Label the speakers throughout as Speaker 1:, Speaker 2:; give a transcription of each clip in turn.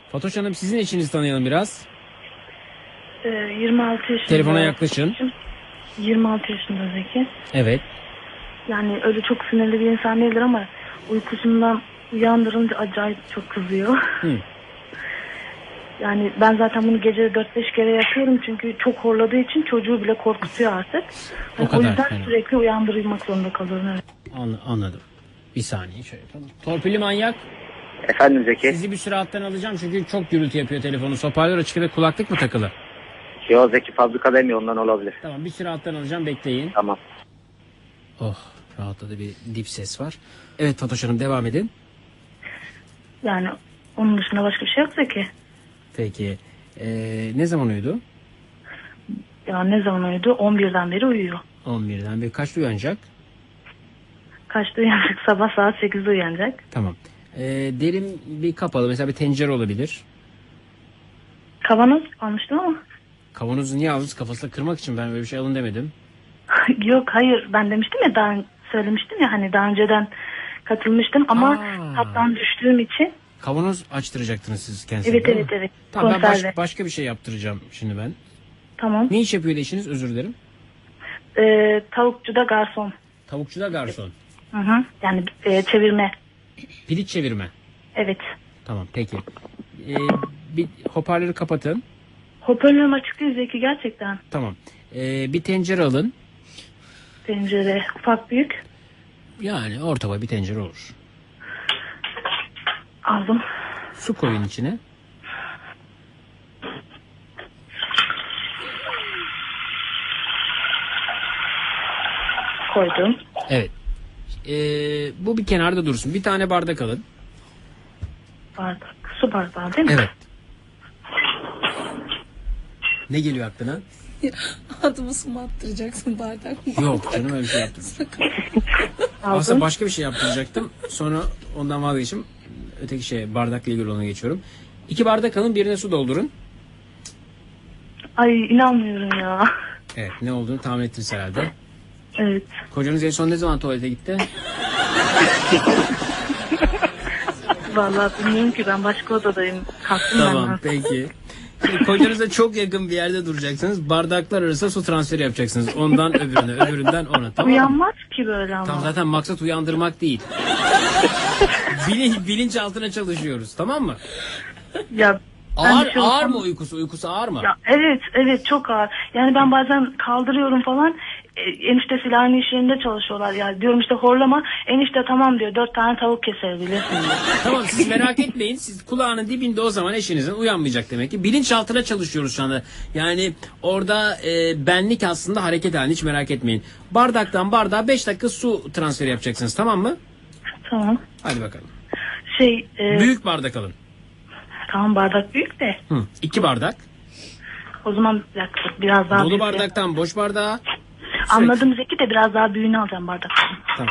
Speaker 1: Fatoş Hanım, sizin eşinizi tanıyalım biraz.
Speaker 2: 26 yaşında.
Speaker 1: Telefona yaklaşın.
Speaker 2: 26 yaşında Zeki.
Speaker 1: Evet.
Speaker 2: Yani öyle çok sinirli bir insan değildir ama uykusundan uyandırınca acayip çok kızıyor.
Speaker 1: Hı.
Speaker 2: Yani ben zaten bunu gece 4-5 kere yapıyorum çünkü çok horladığı için çocuğu bile korkutuyor artık.
Speaker 1: O
Speaker 2: Yani
Speaker 1: kadar
Speaker 2: o yüzden
Speaker 1: fena.
Speaker 2: sürekli uyandırılmak zorunda kalıyorum. Evet.
Speaker 1: Anladım. Bir saniye şöyle yapalım. Torpilli manyak.
Speaker 3: Efendim Zeki?
Speaker 1: Sizi bir süre alttan alacağım çünkü çok gürültü yapıyor telefonu. Hoparlör açık ve kulaklık mı takılı?
Speaker 3: Yo Zeki fabrikadayım ya, ondan olabilir.
Speaker 1: Tamam, bir süre alttan alacağım, bekleyin.
Speaker 3: Tamam.
Speaker 1: Oh, rahatladı, bir dip ses var. Evet Fatoş Hanım, devam edin.
Speaker 2: Yani onun dışında başka bir şey yok Zeki.
Speaker 1: Peki. Ne zaman uyudu?
Speaker 2: Ya ne zaman uyudu? 11'den beri uyuyor.
Speaker 1: 11'den beri. Kaçta uyanacak?
Speaker 2: Kaçta uyanacak? Sabah saat 8'de uyanacak.
Speaker 1: Tamam. Derin bir kapalı, mesela bir tencere olabilir.
Speaker 2: Kavanoz almıştım ama.
Speaker 1: Kavanozu niye aldınız? Kafasına kırmak için, ben böyle bir şey alın demedim.
Speaker 2: Yok hayır, ben demiştim ya, daha söylemiştim ya, hani daha önceden katılmıştım ama tattan düştüğüm için.
Speaker 1: Kavanoz açtıracaktınız siz kendinize.
Speaker 2: Evet.
Speaker 1: Tamam, ben
Speaker 2: Konserve.
Speaker 1: başka bir şey yaptıracağım şimdi ben.
Speaker 2: Tamam.
Speaker 1: Ne iş yapıyor eşiniz, özür dilerim?
Speaker 2: Tavukçuda garson.
Speaker 1: Tavukçuda garson.
Speaker 2: Hı. Yani çevirme.
Speaker 1: Piliç çevirme.
Speaker 2: Evet.
Speaker 1: Tamam, peki. Bir hoparlörü kapatın.
Speaker 2: Hoparlörüm açık değil Zeki, gerçekten.
Speaker 1: Tamam. Bir tencere alın.
Speaker 2: Tencere ufak büyük.
Speaker 1: Yani orta boy bir tencere olur.
Speaker 2: Aldım.
Speaker 1: Su koyun içine.
Speaker 2: Koydum.
Speaker 1: Evet. Bu bir kenarda dursun. Bir tane bardak alın.
Speaker 2: Bardak. Su bardağı değil mi?
Speaker 1: Evet. Ne geliyor aklına?
Speaker 4: Adımı su mu attıracaksın, bardak mı?
Speaker 1: Yok canım, öyle bir şey yaptım.
Speaker 2: Aldım.
Speaker 1: Aslında başka bir şey yaptıracaktım. Sonra ondan vazgeçtim. Öteki bardakla ilgili ona geçiyorum. 2 bardak alın, birine su doldurun.
Speaker 2: Ay inanmıyorum ya.
Speaker 1: Evet, ne olduğunu tahmin ettiniz herhalde.
Speaker 2: Evet.
Speaker 1: Kocanız en son ne zaman tuvalete gitti?
Speaker 2: Vallahi bilmiyorum ki, ben başka odadayım. Kalktım
Speaker 1: Tamam,
Speaker 2: ben.
Speaker 1: peki. Şimdi kocanıza çok yakın bir yerde duracaksınız. Bardaklar arasında su transferi yapacaksınız. Ondan öbürüne, öbüründen ona. Tamam mı?
Speaker 2: Uyanmaz ki böyle ama.
Speaker 1: Tam zaten maksat uyandırmak değil. Bilinç altına çalışıyoruz, tamam mı?
Speaker 2: Ya
Speaker 1: Ağır mı uykusu? Uykusu ağır mı?
Speaker 2: Ya evet çok ağır. Yani ben bazen kaldırıyorum falan. Eniştesiyle aynı iş yerinde çalışıyorlar. Ya diyorum işte horlama. Enişte tamam diyor. 4 tane tavuk kesebilirsin diyor.
Speaker 1: Tamam, siz merak etmeyin. Siz kulağının dibinde, o zaman eşinizin uyanmayacak demek ki. Bilinç altına çalışıyoruz şu anda. Yani orada benlik aslında hareket halinde, hiç merak etmeyin. Bardaktan bardağa 5 dakika su transferi yapacaksınız, tamam mı?
Speaker 2: Tamam.
Speaker 1: Hadi bakalım.
Speaker 2: Büyük.
Speaker 1: Büyük bardak alın.
Speaker 2: Tamam, bardak büyük de.
Speaker 1: 2 bardak.
Speaker 2: O zaman bir dakika, biraz daha
Speaker 1: Dolu
Speaker 2: büyük.
Speaker 1: bardaktan boş bardağa.
Speaker 2: Anladım Zeki, de biraz daha büyüğünü alacağım bardaktan.
Speaker 1: Tamam.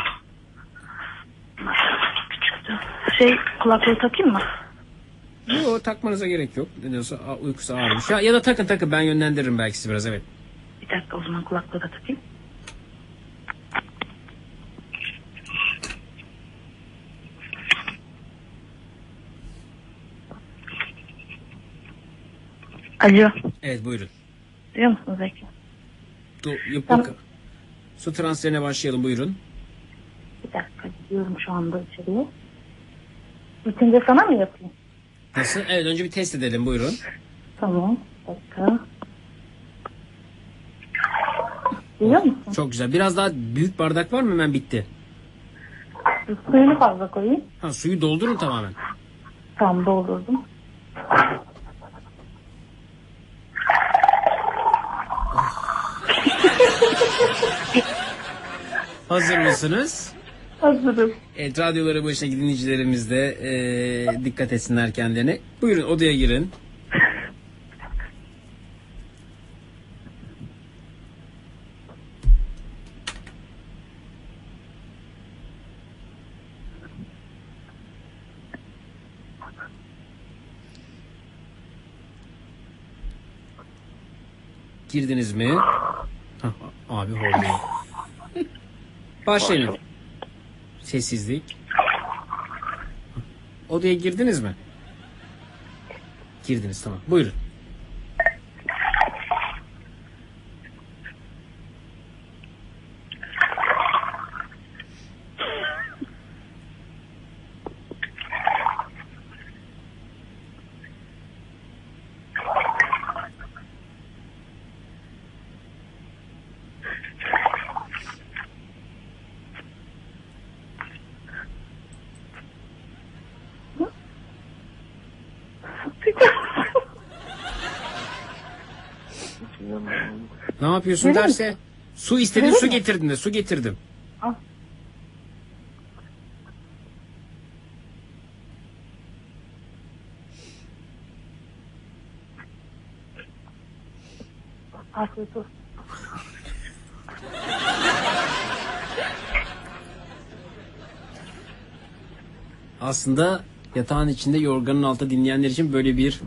Speaker 2: Küçüktü. Kulaklığı takayım mı?
Speaker 1: Yok, takmanıza gerek yok. Ne diyorsa uykusu ağırmış. Ya da takın, ben yönlendiririm belki sizi biraz, evet.
Speaker 2: Bir dakika, o zaman kulaklığı da takayım. Alo.
Speaker 1: Evet, buyurun.
Speaker 2: Duyuyor musun Zeki?
Speaker 1: Yok. Su transferine başlayalım, buyurun.
Speaker 2: Bir dakika, gidiyorum şu anda içeriye. Bitince sana mı yapayım?
Speaker 1: Nasıl? Evet, önce bir test edelim, buyurun.
Speaker 2: Tamam. Bir dakika. Duyuyor musun?
Speaker 1: Çok güzel. Biraz daha büyük bardak var mı? Hemen bitti.
Speaker 2: Suyunu fazla koyayım.
Speaker 1: Suyu doldurun tamamen.
Speaker 2: Tamam, doldurdum.
Speaker 1: Hazır mısınız?
Speaker 2: Hazırım.
Speaker 1: Evet, radyoları başına dinleyicilerimiz de dikkat etsinler kendilerine. Buyurun, odaya girin. Girdiniz mi? Abi horluyor. Başlayın. Sessizlik. Odaya girdiniz mi? girdiniz tamam. Buyurun. Ne yapıyorsun derse su istedin, su getirdim de su getirdim.
Speaker 2: Al. Afiyet olsun.
Speaker 1: Aslında yatağın içinde yorganın altında dinleyenler için böyle bir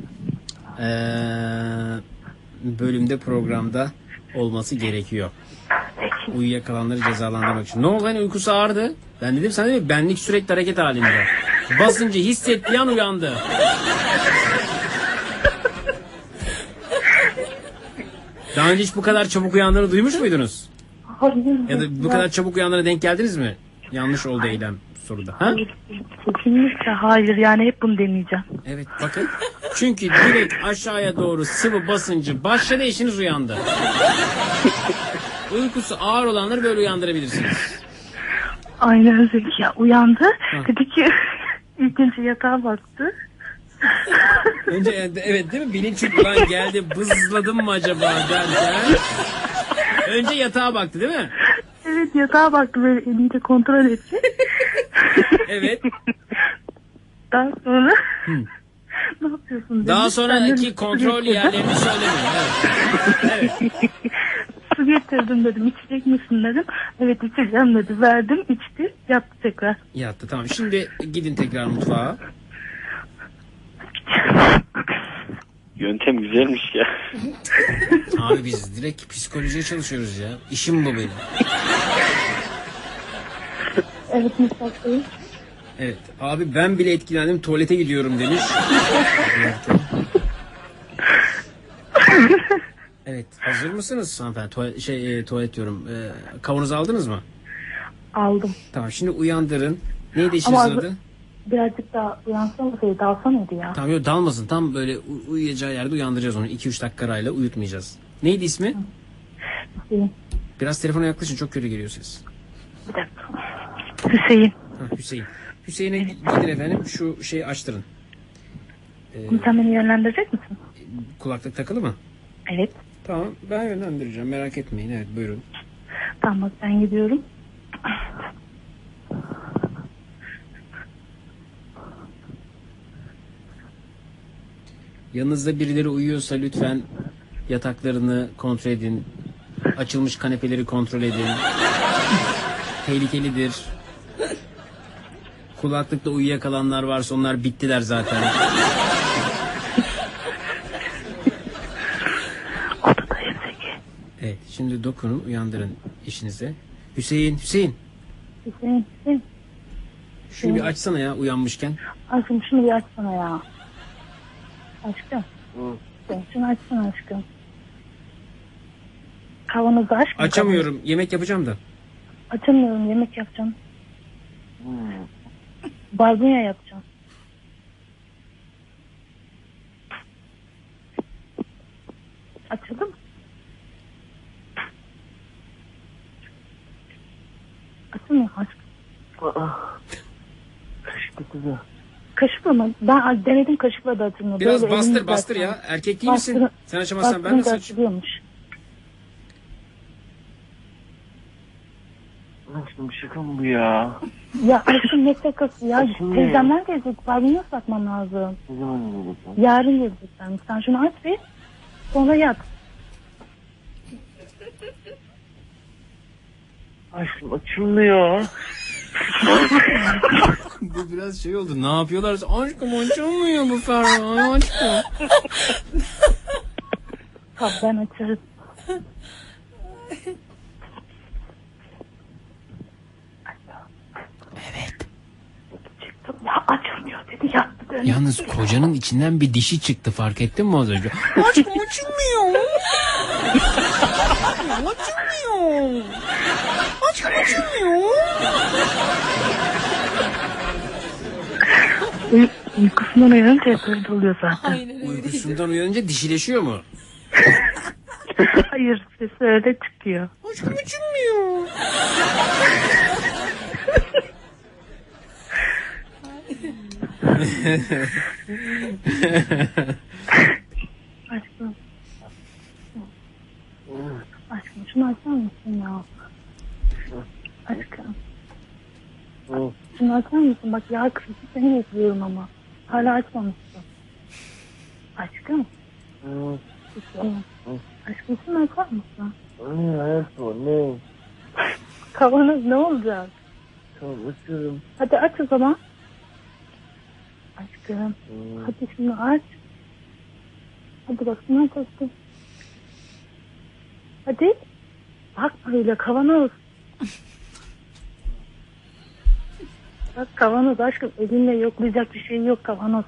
Speaker 1: bölümde programda olması gerekiyor. Uyuyakalanları cezalandırmak için. Ne oldu hani uykusu ağırdı? Ben dedim sana değil mi? Benlik sürekli hareket halinde. Basınca hissettiği an uyandı. Daha önce hiç bu kadar çabuk uyandığını duymuş muydunuz?
Speaker 2: Hayır.
Speaker 1: Ya da bu kadar çabuk uyandığına denk geldiniz mi? Yanlış oldu eylem soruda. Ha?
Speaker 2: Kesinlikle hayır. Yani hep bunu deneyeceğim.
Speaker 1: Evet bakın. Çünkü direkt aşağıya doğru sıvı basıncı başladı, eşiniz uyandı. Uykusu ağır olanları böyle uyandırabilirsiniz.
Speaker 2: Aynen Zeki ya. Uyandı. Dedi ki ilk önce yatağa baktı.
Speaker 1: Önce evet değil mi? Bilinç ulan geldi bızladım mı acaba derken. Önce yatağa baktı değil mi?
Speaker 2: Evet yatağa baktı böyle eliyle kontrol etti.
Speaker 1: Evet.
Speaker 2: Daha sonra ne yapıyorsun dedi.
Speaker 1: Daha
Speaker 2: Ben
Speaker 1: sonraki
Speaker 2: dedim,
Speaker 1: kontrol
Speaker 2: su getirdim.
Speaker 1: yerlerini söylemeyin. Evet. Evet.
Speaker 2: Su getirdim dedim. İçecek misin dedim. Evet içeceğim dedi. Verdim içti. Yattı tekrar.
Speaker 1: Yattı tamam. Şimdi gidin tekrar mutfağa.
Speaker 5: Yöntem güzelmiş ya.
Speaker 1: Abi biz direkt psikolojiye çalışıyoruz ya. İşim bu benim.
Speaker 2: Evet mutfaktayım.
Speaker 1: Evet. Abi ben bile etkilendim, tuvalete gidiyorum demiş. Evet. Hazır mısınız hanımefendi? Tuvalet diyorum. Kavanozu aldınız mı?
Speaker 2: Aldım.
Speaker 1: Tamam. Şimdi uyandırın. Neydi işinizin
Speaker 2: Ama
Speaker 1: adı?
Speaker 2: birazcık daha uyansam mıydı? Dalsa mıydı ya?
Speaker 1: Tamam yok dalmasın. Tam böyle uyuyacağı yerde uyandıracağız onu. 2-3 dakika arayla uyutmayacağız. Neydi ismi?
Speaker 2: Hüseyin.
Speaker 1: Biraz telefona yaklaşın. Çok kötü geliyor ses.
Speaker 2: Bir dakika. Hüseyin.
Speaker 1: Ha, Hüseyin. Hüseyin'e gidin efendim. Şu şeyi açtırın.
Speaker 2: Sen beni yönlendirecek misin?
Speaker 1: Kulaklık takılı mı?
Speaker 2: Evet.
Speaker 1: Tamam. Ben yönlendireceğim. Merak etmeyin. Evet buyurun.
Speaker 2: Tamam bak ben gidiyorum.
Speaker 1: Yanınızda birileri uyuyorsa lütfen yataklarını kontrol edin. Açılmış kanepeleri kontrol edin. Tehlikelidir. Kulaklıkta uyuyakalanlar varsa onlar bittiler zaten.
Speaker 2: Odadayım Zeki.
Speaker 1: Evet, şimdi dokunun, uyandırın eşinize. Hüseyin, Hüseyin.
Speaker 2: Hüseyin.
Speaker 1: Şunu bir açsana ya uyanmışken.
Speaker 2: Aşkım şunu bir açsana ya. Aşkım. Sen şunu açsana aşkım. Kavanozu aç.
Speaker 1: Açamıyorum. Yemek yapacağım da.
Speaker 2: Açamıyorum. Yemek yapacağım. Barbunya yapacağım. Açıldı mı? Açılmıyor aşkım. Kaşıkla mı? Ben denedim kaşıkla da açılmıyor.
Speaker 1: Biraz
Speaker 2: Böyle
Speaker 1: bastır
Speaker 2: elimle
Speaker 1: bastır
Speaker 2: açsam.
Speaker 1: ya. Erkek değil misin?
Speaker 2: Bastırın-
Speaker 1: Sen açamazsan ben
Speaker 2: bastırınca
Speaker 1: nasıl açayım?
Speaker 2: açılıyormuş.
Speaker 5: Aşkım şaka mı bu ya?
Speaker 2: Ya aşkım ne şakası ya?
Speaker 5: Açılmıyor.
Speaker 2: Teyzemler gelecek. Barbunya satmam lazım.
Speaker 5: Ne zaman geleceksin?
Speaker 2: Yarın gelecekler. Sen şunu aç bir. Sonra yat.
Speaker 5: Aşkım açılmıyor.
Speaker 1: Bu biraz şey oldu. Ne yapıyorlar? Aşkım açılmıyor bu Ferhan. Aşkım.
Speaker 2: Tamam ben açarım.
Speaker 1: Evet.
Speaker 2: Çıktım ya açılmıyor dedi yattım.
Speaker 1: Yalnız kocanın içinden bir dişi çıktı, fark ettin mi az önce? Aşkım açılmıyor. Açılmıyor. Aşkım açılmıyor.
Speaker 2: Uykusundan uyanınca hep öyle oluyor zaten.
Speaker 4: Aynen öyle.
Speaker 1: Uykusundan uyanınca dişileşiyor mu?
Speaker 2: Hayır, sesi öyle çıkıyor.
Speaker 1: Aşkım açılmıyor.
Speaker 2: Aşkım. Aşkım şunu açar mısın ya? Aşkım. Şunu açar mısın? Bak ya kızı seni bekliyorum ama. Hala açmamışsın. Aşkım. Aşkım şunu açar mısın?
Speaker 5: Ne?
Speaker 2: Kavanoz ne olacak?
Speaker 5: Tamam açıyorum.
Speaker 2: Hadi aç o zaman. Aşkım. Hadi şunu aç. Hadi bak şunu aç aşkım. Hadi. Bakma öyle kavanoz. Bak kavanoz aşkım. Elinle yoklayacak bir şey yok. Kavanoz.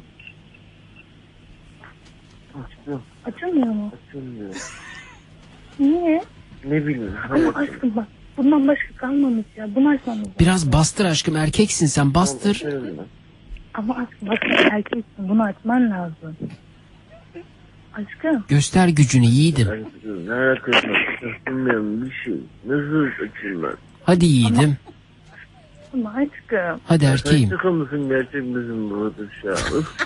Speaker 5: Açtım.
Speaker 2: Açılmıyor mu?
Speaker 5: Açılmıyor.
Speaker 2: Niye?
Speaker 5: Ne bileyim.
Speaker 2: Ama aşkım bak. Bundan başka kalmamış ya. Bunu açmamız lazım.
Speaker 1: Biraz bastır aşkım, erkeksin sen, bastır.
Speaker 5: Açıyorum ben.
Speaker 2: Ama aşkım bak sen erkeksin. Bunu açman lazım. Aşkım.
Speaker 1: Göster gücünü yiğidim.
Speaker 5: Açıyorum. Ne alakası var? Açılmayan bir şey. Nasıl açayım ben?
Speaker 1: Hadi yiğidim.
Speaker 2: Ama aşkım.
Speaker 1: Hadi erkeğim.
Speaker 5: Şaka mısın gerçek misin bu atış ya?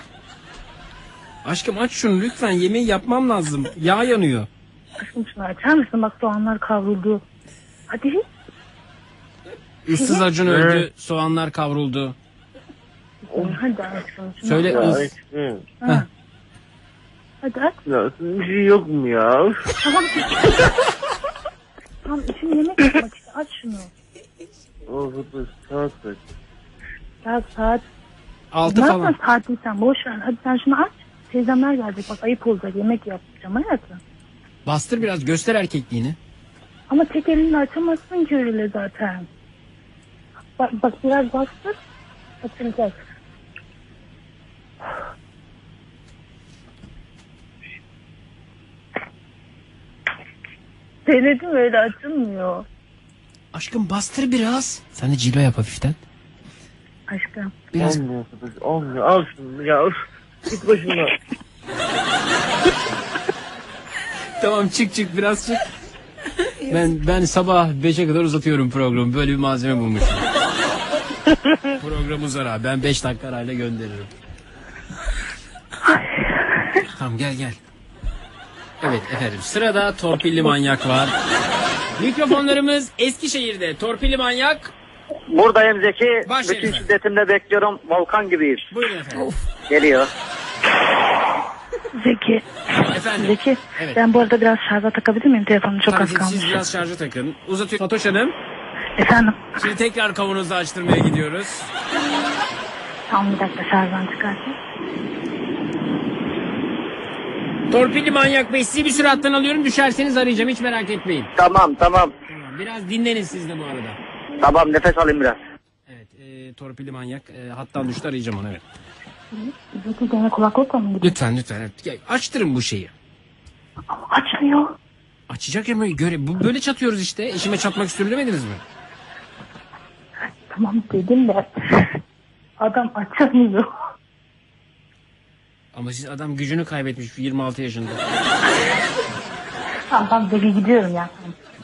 Speaker 1: Aşkım aç şunu lütfen, yemeği yapmam lazım. Yağ yanıyor.
Speaker 2: Aşkım şunu açar mısın? Bak soğanlar kavruldu. Hadi.
Speaker 1: Üstsüz Acun öldü, soğanlar kavruldu.
Speaker 2: Hadi aşkım. Şunu
Speaker 1: Söyle
Speaker 5: Ya
Speaker 1: ıs.
Speaker 5: açtım.
Speaker 2: Ha. Hadi aç.
Speaker 5: Ya bir şey yok mu ya?
Speaker 2: Tamam. Tamam için yemek yapmak işte. Aç şunu.
Speaker 5: Orada saat kaç?
Speaker 2: Ya saat.
Speaker 1: 6
Speaker 2: Ne
Speaker 1: falan.
Speaker 2: yapma saatini sen boş ver. Hadi sen şunu aç. Teyzemler gelecek. Bak ayıp olacak. Yemek yapacağım hayatım.
Speaker 1: Bastır biraz, göster erkekliğini.
Speaker 2: Ama tek elinle açamazsın ki öyle zaten. Bak biraz bastır. Açılacak. Denedim öyle açılmıyor.
Speaker 1: Aşkım bastır biraz. Sen de cilve yap hafiften.
Speaker 2: Aşkım.
Speaker 1: Biraz.
Speaker 5: Olmuyor arkadaş. Olmuyor. Al şunu ya. Üf. Git başımdan.
Speaker 1: Tamam çık biraz çık. Ben sabah 5'e kadar uzatıyorum programı. Böyle bir malzeme bulmuşum. Program uzar abi. Ben 5 dakika arayla gönderirim. Tamam gel. Evet efendim, sırada torpilli manyak var. Mikrofonlarımız Eskişehir'de. Torpilli manyak.
Speaker 3: Buradayım Zeki.
Speaker 1: Başlayın
Speaker 3: Bütün
Speaker 1: efendim.
Speaker 3: şiddetimle bekliyorum. Volkan gibiyiz.
Speaker 1: Buyurun efendim.
Speaker 3: Geliyor.
Speaker 2: Zeki.
Speaker 1: Efendim.
Speaker 2: Zeki.
Speaker 1: Evet.
Speaker 2: Ben bu arada biraz şarja takabilir miyim? Telefonum çok az
Speaker 1: Tabii
Speaker 2: kalmış.
Speaker 1: siz biraz şarja takın. Uzatıyorum. Fatoş Hanım.
Speaker 2: Efendim.
Speaker 1: Şimdi tekrar kavanozu açtırmaya gidiyoruz.
Speaker 2: Tamam bir dakika şarjdan çıkartayım.
Speaker 1: Torpilli manyak bey, sizi bir süre hattan alıyorum. Düşerseniz arayacağım, hiç merak etmeyin.
Speaker 3: Tamam.
Speaker 1: Tamam, biraz dinlenin siz de bu arada.
Speaker 3: Tamam, nefes alayım biraz.
Speaker 1: Evet, torpilli manyak hattan düştü, arayacağım onu, evet.
Speaker 2: Zeki gene kulaklıkla mı gidiyor?
Speaker 1: Lütfen evet. Ya, açtırın bu şeyi.
Speaker 2: Ama açmıyor.
Speaker 1: Açacak ya, bu böyle çatıyoruz işte. Eşime çatmak istiyorum demediniz mi?
Speaker 2: Tamam dedim de adam açamıyor.
Speaker 1: Ama siz, adam gücünü kaybetmiş 26 yaşında.
Speaker 2: Tamam Zeki gidiyorum ya.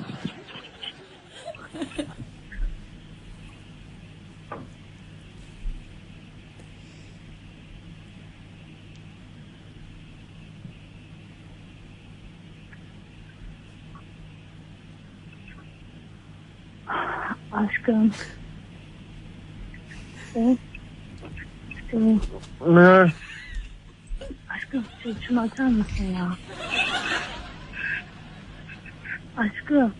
Speaker 2: Aşkım. Evet.
Speaker 5: Ne?
Speaker 2: Aşkım şunu açar mısın ya? Aşkım.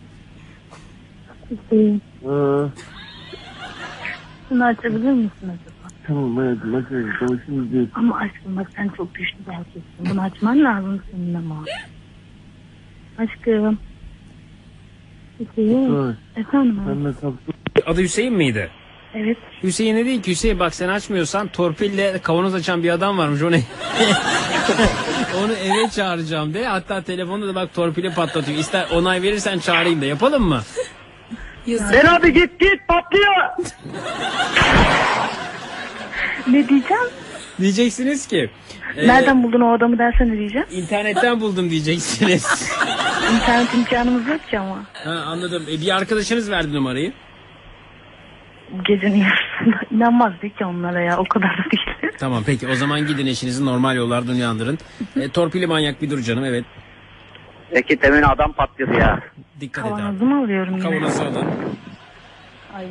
Speaker 2: Şunu açabilir misin acaba?
Speaker 5: Tamam hayatım açıyorum. Tamam şimdi değil.
Speaker 2: Ama aşkım bak sen çok güçlü bir erkeksin. Bunu açman lazım senin ama. Aşkım. Hüseyin.
Speaker 5: Evet.
Speaker 2: Efendim abi.
Speaker 5: Ben de kaptım.
Speaker 1: Adı Hüseyin miydi?
Speaker 2: Evet.
Speaker 1: Hüseyin'e değil ki, Hüseyin bak sen açmıyorsan torpille kavanoz açan bir adam varmış, onu onu eve çağıracağım de. Hatta telefonda da bak torpili patlatıyor. İster onay verirsen çağırayım da, yapalım mı?
Speaker 4: Yazık.
Speaker 3: Ben abi git patlıyor.
Speaker 2: Ne diyeceğim?
Speaker 1: Diyeceksiniz ki
Speaker 2: Nereden buldun o adamı dersen ne diyeceğim?
Speaker 1: internetten buldum diyeceksiniz.
Speaker 2: İnternet imkanımız yok ki ama.
Speaker 1: Ha, anladım. Bir arkadaşınız verdi numarayı.
Speaker 2: Gecenin yarısında. İnanmaz değil ki onlara ya. O kadar da değil.
Speaker 1: Tamam peki, o zaman gidin eşinizi normal yollardan uyandırın. Torpili manyak bir dur canım, evet.
Speaker 3: Peki temin adam patlıyordu ya.
Speaker 1: Dikkat et abi.
Speaker 2: Kavanozumu alıyorum yine.
Speaker 1: Kavanozu alın.
Speaker 2: Ay.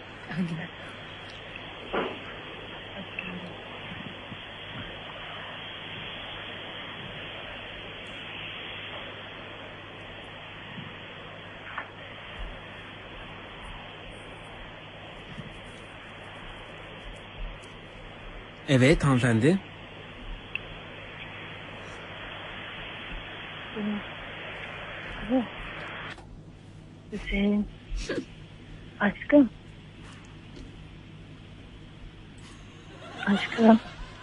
Speaker 1: Evet hanımefendi.
Speaker 2: Hüseyin. Aşkım. Aşkım.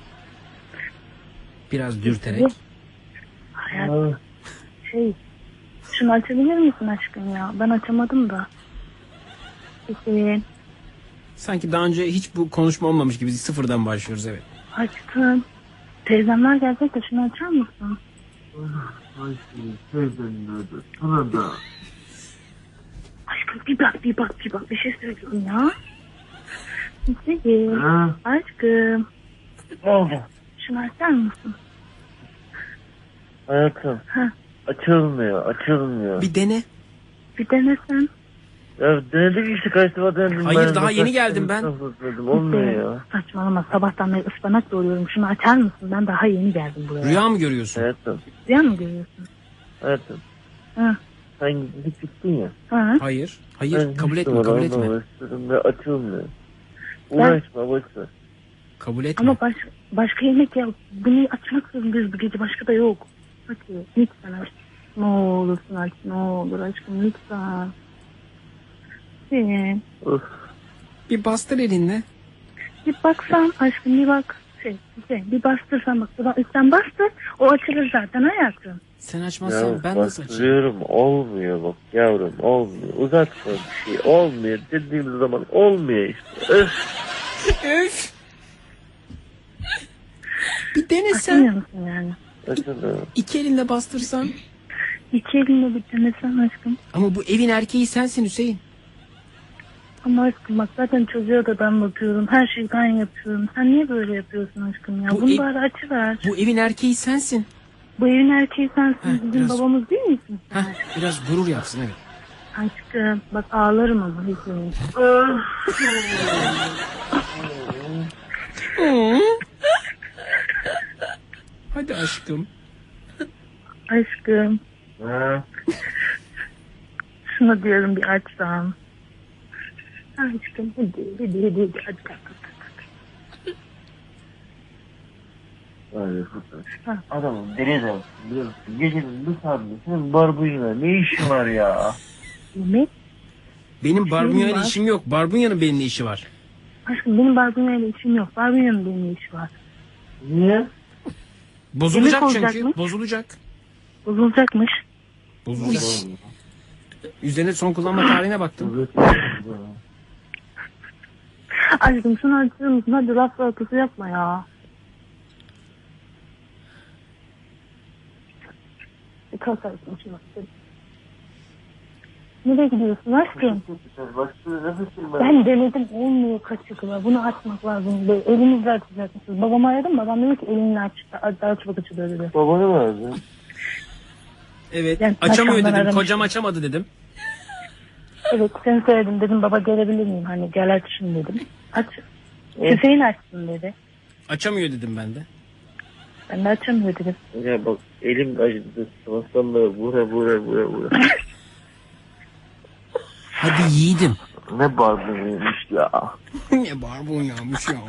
Speaker 1: Biraz dürterek.
Speaker 2: Hayat. Şunu açabilir misin aşkım ya? Ben açamadım da. Hüseyin.
Speaker 1: Sanki daha önce hiç bu konuşma olmamış gibi sıfırdan başlıyoruz, evet.
Speaker 2: Aşkım. Teyzemler gelecek de şunu açar mısın?
Speaker 5: Ay teyzenin adı. Sana da.
Speaker 2: Aşkım bir bak. Bir şey söyleyeyim ya. Hüseyin.
Speaker 5: Ha?
Speaker 2: Aşkım.
Speaker 5: Ne oldu?
Speaker 2: Şunu açar mısın?
Speaker 5: Hayatım.
Speaker 2: Ha.
Speaker 5: Açılmıyor.
Speaker 1: Bir dene.
Speaker 2: Bir denesen.
Speaker 5: Ya denedik işte, kaç defa denedim.
Speaker 1: Hayır, daha yeni geldim ben.
Speaker 5: Olmuyor ya.
Speaker 2: Saçmalama, sabahtan beri ıspanak doğruyorum. Şunu açar mısın? Ben daha yeni geldim buraya.
Speaker 1: Rüya mı görüyorsun?
Speaker 5: Hayatım.
Speaker 2: Rüya mı görüyorsun?
Speaker 5: Hayatım.
Speaker 2: Ha.
Speaker 5: Sen gidip gittin ya.
Speaker 2: Ha.
Speaker 1: Hayır.
Speaker 5: Ben
Speaker 1: Hayır. Kabul
Speaker 5: hiç
Speaker 1: etme.
Speaker 5: numara
Speaker 1: Kabul etme.
Speaker 5: uğraştırdım ve açılmıyor. Uğraşma, boşver.
Speaker 1: Kabul etme.
Speaker 2: Ama başka yemek ya. Bunu açmak zorundayız bu gece. Başka da yok. Hadi lütfen aç. Ne olursun aç. Ne olur aşkım lütfen. Senin.
Speaker 5: Of.
Speaker 1: Bir bastır elinle.
Speaker 2: Bir baksan aşkım, bir bak. Bir bastırsan bak. Sen bastır. O açılır zaten hayatım.
Speaker 1: Sen açmazsan ben nasıl açayım?
Speaker 5: Bastırıyorum, olmuyor bak yavrum, olmuyor. Uzatma bir şey, olmuyor dediğimiz zaman olmuyor işte.
Speaker 1: Öf. Bir denesen.
Speaker 2: Açmıyor musun yani?
Speaker 5: Açılıyor.
Speaker 1: İki elinle bastırsan.
Speaker 2: İki elinle bir denesen aşkım.
Speaker 1: Ama bu evin erkeği sensin Hüseyin.
Speaker 2: Ama aşkım bak zaten çocuğa da ben bakıyorum. Her şeyi ben yapıyorum. Sen niye böyle yapıyorsun aşkım ya?
Speaker 1: Bu
Speaker 2: Bunu
Speaker 1: ev-
Speaker 2: bari açıver.
Speaker 1: Bu evin erkeği sensin.
Speaker 2: Bu evin erkeği sensin.
Speaker 1: Heh,
Speaker 2: Bizim
Speaker 1: biraz-
Speaker 2: babamız değil misin?
Speaker 1: Heh, biraz gurur yapsın, evet.
Speaker 2: Aşkım bak ağlarım ama Hüseyin.
Speaker 1: Hadi aşkım.
Speaker 2: Aşkım
Speaker 5: Ha?
Speaker 2: şunu diyorum bir açsam. Aşkım hadi aç.
Speaker 5: Ay,
Speaker 2: Ha.
Speaker 5: adamım deli de biliyor musun? Gecenin bu saatinde senin barbuyla ne işin var ya?
Speaker 2: Yemek.
Speaker 1: Benim barbunyayla
Speaker 2: var.
Speaker 1: işim yok. Barbunya'nın benimle işi var.
Speaker 2: Aşkım benim barbunyayla işim yok. Barbunya'nın benimle işi var.
Speaker 5: Niye?
Speaker 1: Bozulacak
Speaker 2: Yemek
Speaker 1: çünkü.
Speaker 2: olacak mı?
Speaker 1: Bozulacak.
Speaker 2: Bozulacakmış.
Speaker 1: Bozulacak. Üzerine son kullanma tarihine baktım.
Speaker 2: Aşkım şunu açır mısın? Hadi laf salatası yapma ya. Kalk aşkım şunu. Nereye gidiyorsun aşkım? Ben denedim olmuyor kaçıkla. Bunu açmak lazım. Böyle elinizle açacaksınız. Babamı aradım. Babam dedi ki elinle aç. Daha çabuk açılıyor dedi.
Speaker 5: Babanı mı aradın?
Speaker 1: Evet.
Speaker 2: Yani
Speaker 1: Açamıyor
Speaker 2: akşamdan
Speaker 1: dedim.
Speaker 2: aramıştım.
Speaker 1: Kocam açamadı dedim.
Speaker 2: Evet seni söyledim. Dedim baba gelebilir miyim? Hani gel aç şunu dedim. Aç. Hüseyin açsın dedi.
Speaker 1: Açamıyor dedim ben de.
Speaker 2: Ben de açamıyor dedim.
Speaker 5: Ya bak elim acıdı. Sabahtan vura.
Speaker 1: Hadi yiğidim.
Speaker 5: Ne barbuymuş ya.
Speaker 1: Ne barbunyaymış ya.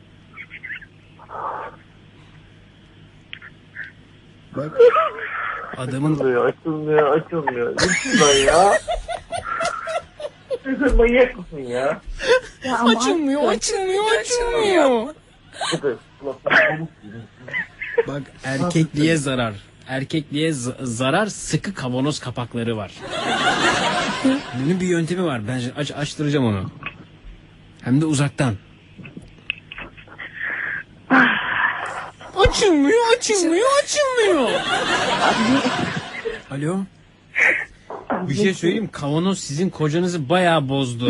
Speaker 1: Bak. Adamın
Speaker 5: Açılmıyor. Lütfen ya. Sen manyak mısın ya?
Speaker 2: Ya ama
Speaker 1: açılmıyor. Bak erkekliğe zarar. Erkekliğe zarar sıkı kavanoz kapakları var. Bunun bir yöntemi var. Ben açtıracağım onu. Hem de uzaktan. Açılmıyor. Alo. Bir şey söyleyeyim. Kavanoz sizin kocanızı bayağı bozdu.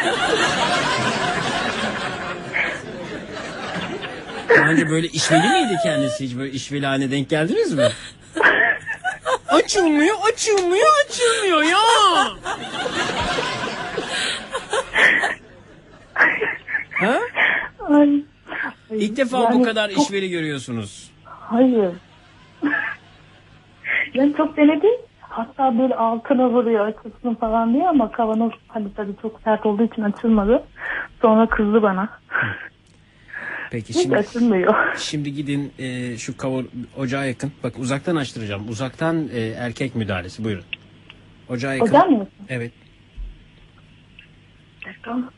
Speaker 1: Daha önce böyle işveli miydi kendisi? Hiç böyle işveli haline denk geldiniz mi? Açılmıyor ya. Ha?
Speaker 2: Ay.
Speaker 1: İlk defa
Speaker 2: Yani
Speaker 1: bu kadar
Speaker 2: çok-
Speaker 1: işveli görüyorsunuz.
Speaker 2: Hayır. Ben çok denedim. Hatta böyle altına vuruyor açılsın falan diye ama kavanoz hani tabii çok sert olduğu için açılmadı. Sonra kızdı bana.
Speaker 1: Peki
Speaker 2: Hiç açılmıyor.
Speaker 1: şimdi gidin şu ocağa yakın. Bak uzaktan açtıracağım. Uzaktan erkek müdahalesi. Buyurun. Ocağa yakın.
Speaker 2: Hocam mı?
Speaker 1: Evet.
Speaker 2: Tamam.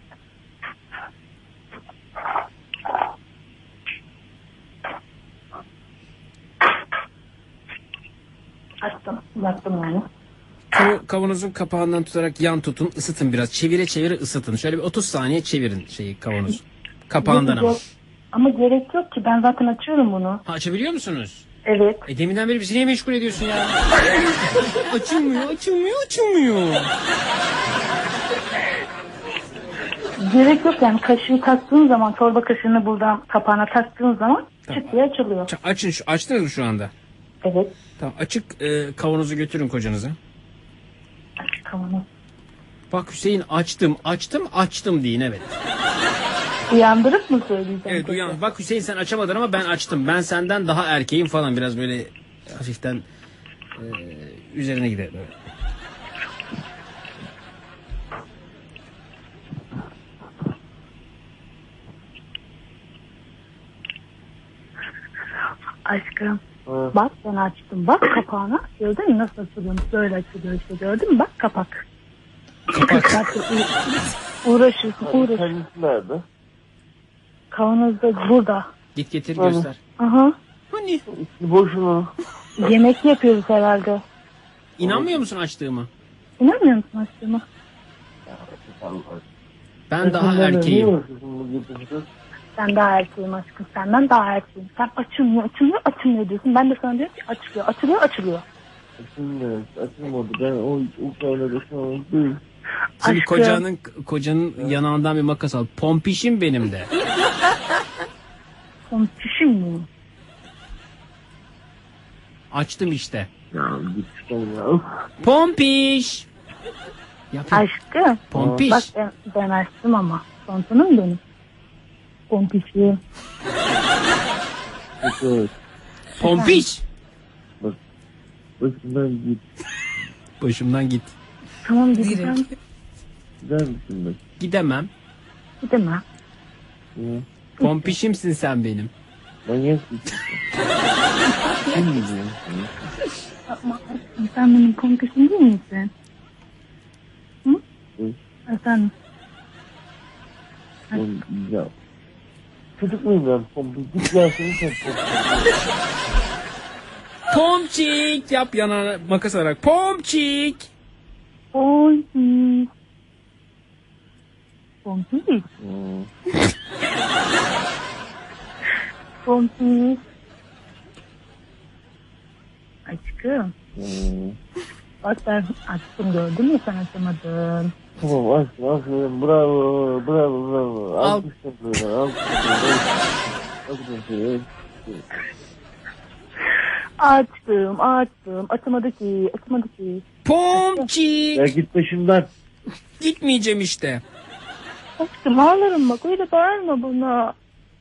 Speaker 2: Açtım yani.
Speaker 1: Kavanozun kapağından tutarak yan tutun, ısıtın biraz. Çevire çevire ısıtın. Şöyle bir 30 saniye çevirin kavanozu. Kapağından ama.
Speaker 2: Ama gerek yok ki, ben zaten açıyorum bunu.
Speaker 1: Ha, açabiliyor musunuz?
Speaker 2: Evet.
Speaker 1: Deminden beri bizi niye meşgul ediyorsun ya? açılmıyor.
Speaker 2: Gerek yok yani, kaşığı taktığın zaman, çorba kaşığını buradan kapağına taktığın zaman çıt diye açılıyor.
Speaker 1: Açın açtınız mı şu anda?
Speaker 2: Evet.
Speaker 1: Tamam, açık kavanozu götürün kocanıza.
Speaker 2: Kavanoz.
Speaker 1: Bak Hüseyin, açtım deyin, evet.
Speaker 2: Uyandırıp mı söyleyeceğim?
Speaker 1: Evet,
Speaker 2: peki?
Speaker 1: uyan. Bak Hüseyin, sen açamadın ama ben açtım. Ben senden daha erkeğim falan, biraz böyle hafiften üzerine gidelim. Evet.
Speaker 2: Aşkım.
Speaker 5: Evet.
Speaker 2: Bak ben açtım. Bak kapağına. Gördün mü nasıl açılıyormuş? Böyle açılıyor işte, gördün mü? Bak kapak.
Speaker 1: Kapak.
Speaker 2: Uğraşıyorsun.
Speaker 5: Kendisi nerede?
Speaker 2: Kavanoz da burada.
Speaker 1: Git getir göster.
Speaker 2: Aha.
Speaker 1: Hani?
Speaker 5: Boşuna.
Speaker 2: Yemek yapıyoruz herhalde.
Speaker 1: İnanmıyor musun açtığıma?
Speaker 2: İnanmıyor musun açtığıma?
Speaker 1: Ben daha erkeğim.
Speaker 2: Ben daha erkeğim aşkım. Senden daha erkeğim. Sen açılmıyor diyorsun. Ben de sana diyorum ki açılıyor.
Speaker 5: Açılmadı. Ben o kaynada şu an değil.
Speaker 1: Şimdi
Speaker 2: Aşkım.
Speaker 1: kocanın yanağından bir makas al. Pompişim benim de.
Speaker 2: Komşum mu?
Speaker 1: Açtım işte.
Speaker 5: Ya git ya.
Speaker 1: Pompiş. Yap.
Speaker 2: Aşkım.
Speaker 1: Pompiş.
Speaker 2: Bak ben açtım ama. Tontonum benim. Pompişim.
Speaker 5: Evet.
Speaker 1: Pompiş.
Speaker 5: Başından git.
Speaker 1: Başımdan git.
Speaker 2: Tamam gideceğim.
Speaker 5: Gider misin bak?
Speaker 1: Gidemem.
Speaker 2: Gidemem.
Speaker 5: Ya.
Speaker 1: Pompişimsin sen benim.
Speaker 5: Manyak mısın? Kim biliyor?
Speaker 2: Ama sen benim pompişim değil misin? Hı?
Speaker 5: Hı.
Speaker 2: Efendim.
Speaker 5: Ya. Çocuk muyum ben? Git ya seni sen.
Speaker 1: Pomçik yap, yanağına makas alarak. Pomçik.
Speaker 2: Pompiş. Pompiş. Pompiş. Aşkım. Bak ben açtım, gördün mü, sen açamadın.
Speaker 5: Tamam aferin bravo.
Speaker 1: Al.
Speaker 2: Açtım. Açamadı ki.
Speaker 1: Pomçik.
Speaker 5: Ya git başımdan.
Speaker 1: Gitmeyeceğim işte.
Speaker 2: Aşkım ağlarım bak, öyle bağırma bana.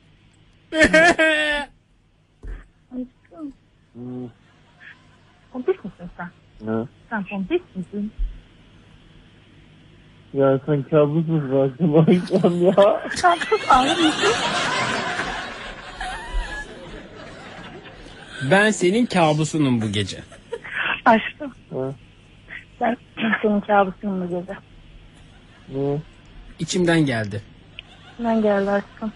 Speaker 2: Aşkım. Pompiş misin sen?
Speaker 5: Ne?
Speaker 2: Sen pompiş misin?
Speaker 5: Ya sen kabus musun akşam ya?
Speaker 2: Sen sus, ağlar mısın?
Speaker 1: Ben senin kabusunum bu gece.
Speaker 2: Aşkım.
Speaker 5: Ha?
Speaker 2: Ben senin kabusun bu gece.
Speaker 5: Ne?
Speaker 1: İçimden geldi.
Speaker 2: Ben geldi aşkım.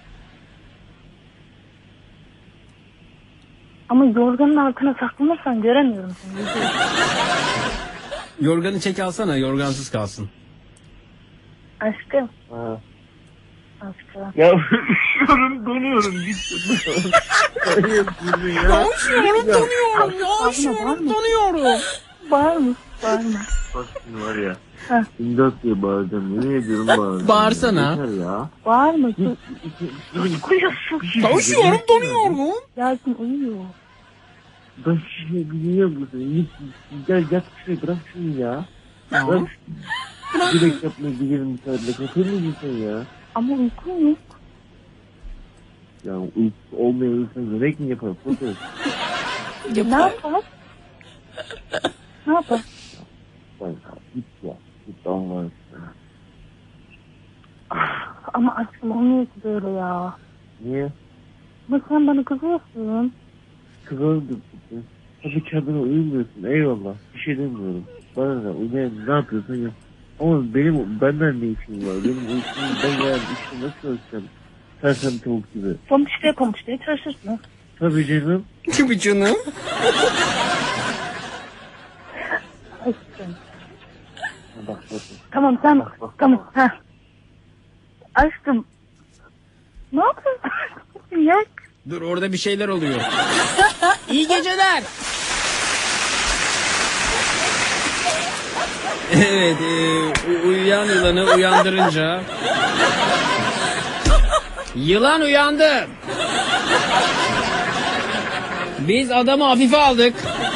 Speaker 2: Ama yorganın altına saklanırsan göremiyorum seni.
Speaker 1: Yorganı çek alsana, yorgansız kalsın.
Speaker 2: Aşkım.
Speaker 5: Ha.
Speaker 2: Aşkım.
Speaker 5: Ya üşüyorum, donuyorum. Git. Hayır, dur ya.
Speaker 1: Donuyorum, donuyorum. Ya
Speaker 2: üşüyorum,
Speaker 1: donuyorum.
Speaker 2: Bağırma. Bağırma.
Speaker 5: Bak şimdi var ya.
Speaker 2: Ha.
Speaker 5: İmdat diye bağıracağım. Yemin ediyorum bağıracağım.
Speaker 1: Bağırsana.
Speaker 5: Yeter ya.
Speaker 2: Bağırma.
Speaker 5: Uyuyorsun.
Speaker 1: Donuyorum, donuyorum.
Speaker 2: Yasin uyuyor.
Speaker 5: Ben şey biliyor musun? Gel yat şuraya, bırak şunu ya. Bırak. Direkt yapmaya gidelim müsaadenle. Kapır mısın ya?
Speaker 2: Ama uykum yok.
Speaker 5: Ya uykusu olmayan insan yemek mi yapar? Fotoğraf.
Speaker 2: Ne yapar? Ne yapar?
Speaker 5: Bak git ya. Git Allah aşkına.
Speaker 2: Ama aşkım olmuyor ki böyle ya.
Speaker 5: Niye?
Speaker 2: Ama sen bana kızıyorsun.
Speaker 5: Kıvırdım. Tabii kendine uyumuyorsun. Eyvallah. Bir şey demiyorum. Bana ne? Uyumayan ne yapıyorsun ya? Ama benden ne işim var? Benim uykum ben yani işte nasıl ölçeceğim? Sersem tavuk gibi.
Speaker 2: Pamukçaya çalışırsın.
Speaker 5: Tabii canım.
Speaker 1: Tabii canım.
Speaker 2: Aşkım.
Speaker 5: Bak bak.
Speaker 2: Tamam sen. Tamam. Ha. Aşkım. Ne yapıyorsun? Yak.
Speaker 1: Dur, orada bir şeyler oluyor. İyi geceler. Evet, uyuyan yılanı uyandırınca... Yılan uyandı. Biz adamı hafife aldık.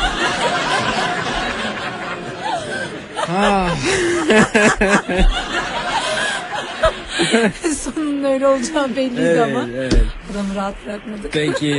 Speaker 1: Ah.
Speaker 4: Sonun öyle olacağı belliydi ama.
Speaker 1: Evet.
Speaker 4: Adamı rahat bırakmadık.
Speaker 1: Peki.